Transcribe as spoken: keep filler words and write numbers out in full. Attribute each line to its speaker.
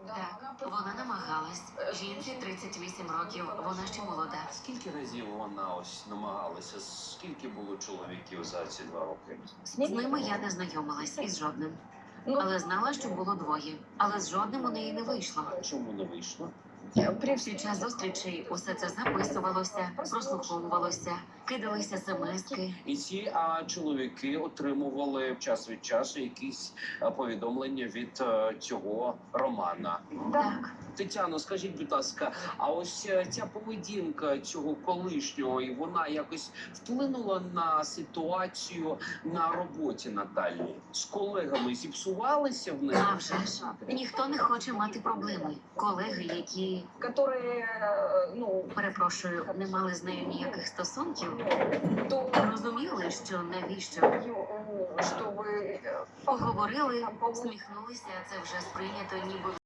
Speaker 1: Так, вона намагалась. Жінці тридцять вісім років, вона ще молода.
Speaker 2: Скільки разів вона ось намагалася? Скільки було чоловіків за ці два роки?
Speaker 1: З ними я не знайомилась із жодним.
Speaker 3: Ну,
Speaker 1: Але знала, що було двоє. Але з жодним у неї не вийшло.
Speaker 2: Чому не вийшло?
Speaker 3: при
Speaker 1: Під час зустрічей усе це записувалося, прослуховувалося, кидалися смски.
Speaker 2: І ці а, чоловіки отримували час від часу якісь а, повідомлення від а, цього Романа.
Speaker 1: Так.
Speaker 2: Тетяно, скажіть, будь ласка, а ось е, ця поведінка цього колишнього, і вона якось вплинула на ситуацію на роботі Наталі? З колегами зіпсувалися в них?
Speaker 1: А вже ж. Ніхто не хоче мати проблеми. Колеги, які,
Speaker 3: которые, э, ну,
Speaker 1: перепрошую, не мали з нею ніяких стосунків,
Speaker 3: то,
Speaker 1: розуміли, що навіщо.
Speaker 3: э, чтобы э,
Speaker 1: Поговорили, усміхнулися, а це вже сприйнято ніби